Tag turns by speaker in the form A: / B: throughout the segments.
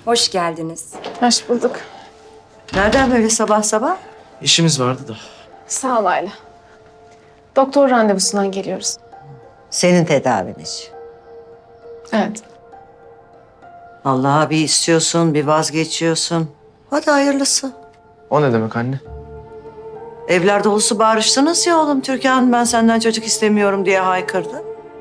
A: Hoş geldiniz.
B: Hoş bulduk.
C: Nereden böyle sabah sabah?
D: İşimiz vardı da.
B: Sağ ol Ayla. Doktor randevusundan geliyoruz.
C: Senin tedavin için.
B: Evet.
C: Allah'a bir istiyorsun, bir vazgeçiyorsun. Hadi hayırlısı.
D: O ne demek anne?
C: Evler dolusu bağırıştınız ya oğlum. Türkan ben senden çocuk istemiyorum diye haykırdı.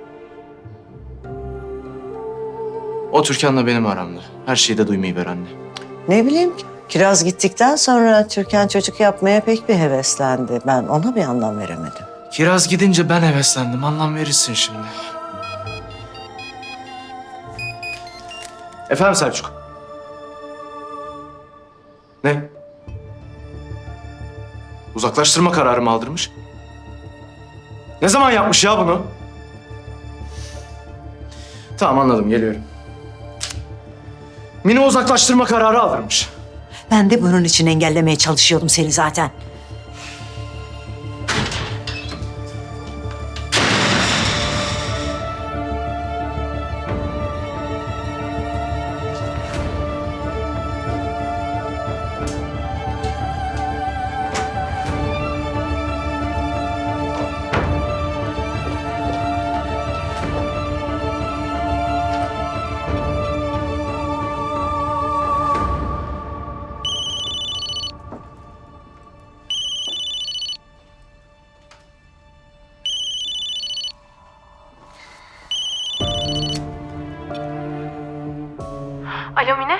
D: O Türkan'la benim aramda. Her şeyi de duymayı ver anne.
C: Ne bileyim, Kiraz gittikten sonra Türkan çocuk yapmaya pek bir heveslendi. Ben ona bir anlam veremedim.
D: Kiraz gidince ben heveslendim. Anlam verirsin şimdi. Efendim Selçuk. Ne? Uzaklaştırma kararı mı aldırmış? Ne zaman yapmış ya bunu? Tamam anladım, geliyorum. Mine uzaklaştırma kararı aldırmış.
C: Ben de bunun için engellemeye çalışıyordum seni zaten.
B: Alo Mine.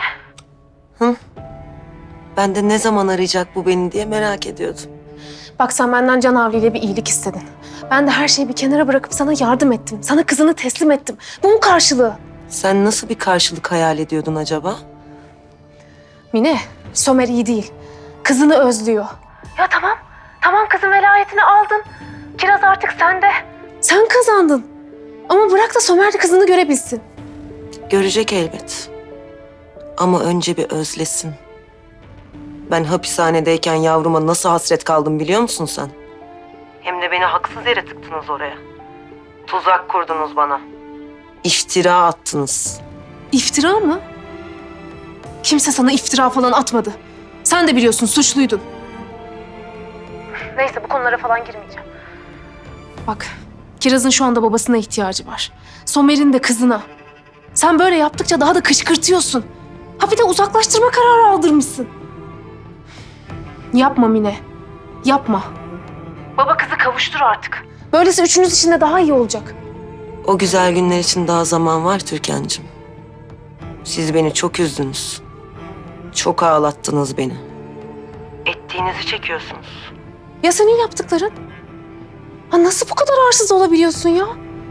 C: Ben de ne zaman arayacak bu beni diye merak ediyordum.
B: Bak sen benden Can Avli ile bir iyilik istedin. Ben de her şeyi bir kenara bırakıp sana yardım ettim. Sana kızını teslim ettim. Bu mu karşılığı?
C: Sen nasıl bir karşılık hayal ediyordun acaba?
B: Mine, Somer iyi değil. Kızını özlüyor. Ya tamam. Tamam kızın velayetini aldın. Kiraz artık sende. Sen kazandın. Ama bırak da Somer de kızını görebilsin.
E: Görecek elbet. Ama önce bir özlesin. Ben hapishanedeyken yavruma nasıl hasret kaldım biliyor musun sen? Hem de beni haksız yere tıktınız oraya. Tuzak kurdunuz bana. İftira attınız.
B: İftira mı? Kimse sana iftira falan atmadı. Sen de biliyorsun suçluydun. Neyse bu konulara falan girmeyeceğim. Bak Kiraz'ın şu anda babasına ihtiyacı var. Somer'in de kızına. Sen böyle yaptıkça daha da kışkırtıyorsun. Ha bir de uzaklaştırma kararı aldırmışsın. Yapma Mine. Yapma. Baba kızı kavuştur artık. Böylesi üçünüz için de daha iyi olacak.
E: O güzel günler için daha zaman var Türkan'cığım. Siz beni çok üzdünüz. Çok ağlattınız beni. Ettiğinizi çekiyorsunuz.
B: Ya senin yaptıkların? Ha nasıl bu kadar arsız olabiliyorsun ya?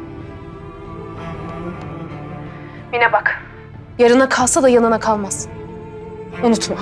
B: Mine bak. Yarına kalsa da yanına kalmaz. Unutma.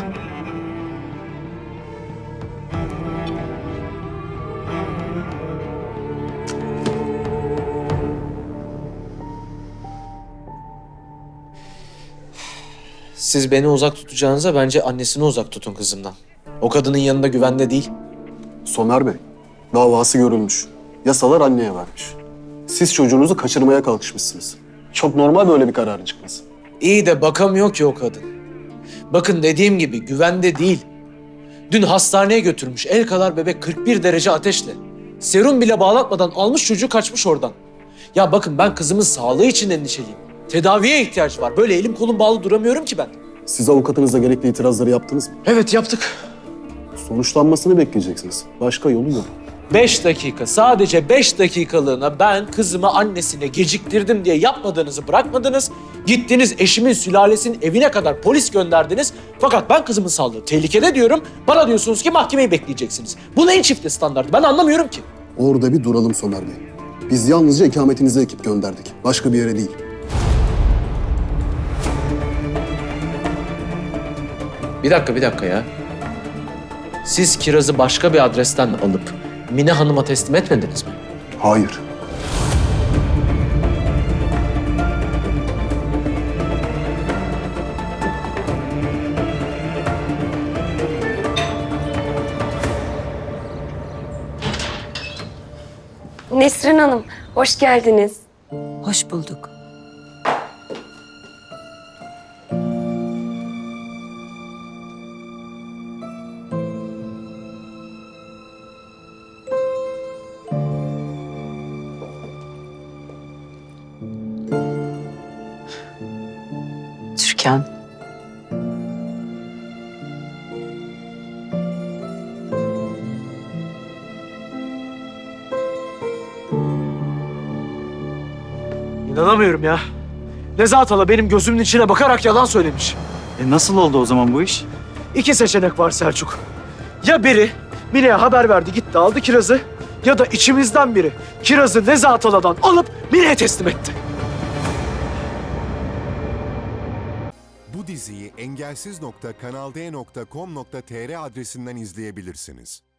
F: Siz beni uzak tutacağınıza bence annesini uzak tutun kızımdan. O kadının yanında güvende değil.
G: Somer Bey, davası görülmüş. Yasalar anneye vermiş. Siz çocuğunuzu kaçırmaya kalkışmışsınız. Çok normal böyle bir kararın çıkması.
F: İyi de bakamıyor ki o kadın. Bakın dediğim gibi güvende değil. Dün hastaneye götürmüş el kadar bebek 41 derece ateşle. Serum bile bağlatmadan almış çocuğu kaçmış oradan. Ya bakın ben kızımın sağlığı için endişeliyim. Tedaviye ihtiyaç var. Böyle elim kolum bağlı duramıyorum ki ben.
G: Siz avukatınızla gerekli itirazları yaptınız mı?
F: Evet yaptık.
G: Sonuçlanmasını bekleyeceksiniz. Başka yolu yok.
F: 5 dakika, sadece 5 dakikalığına ben kızımı annesine geciktirdim diye yapmadığınızı bırakmadınız. Gittiniz eşimin sülalesinin evine kadar polis gönderdiniz. Fakat ben kızımın sağlığı tehlikede diyorum. Bana diyorsunuz ki mahkemeyi bekleyeceksiniz. Bu neyin çifte standartı? Ben anlamıyorum ki.
G: Orada bir duralım Somer Bey. Biz yalnızca ikametinize ekip gönderdik. Başka bir yere değil.
F: Bir dakika ya. Siz Kiraz'ı başka bir adresten alıp Mine Hanım'a teslim etmediniz mi?
G: Hayır.
A: Nesrin Hanım, hoş geldiniz.
E: Hoş bulduk.
H: Türkan.
F: İnanamıyorum ya. Nezahat hala benim gözümün içine bakarak yalan söylemiş.
I: Nasıl oldu o zaman bu iş?
F: İki seçenek var Selçuk. Ya biri Mine'ye haber verdi gitti aldı kirazı ya da içimizden biri kirazı Nezahat haladan alıp Mine'ye teslim etti.
J: Bu diziyi engelsiz.kanalde.com.tr adresinden izleyebilirsiniz.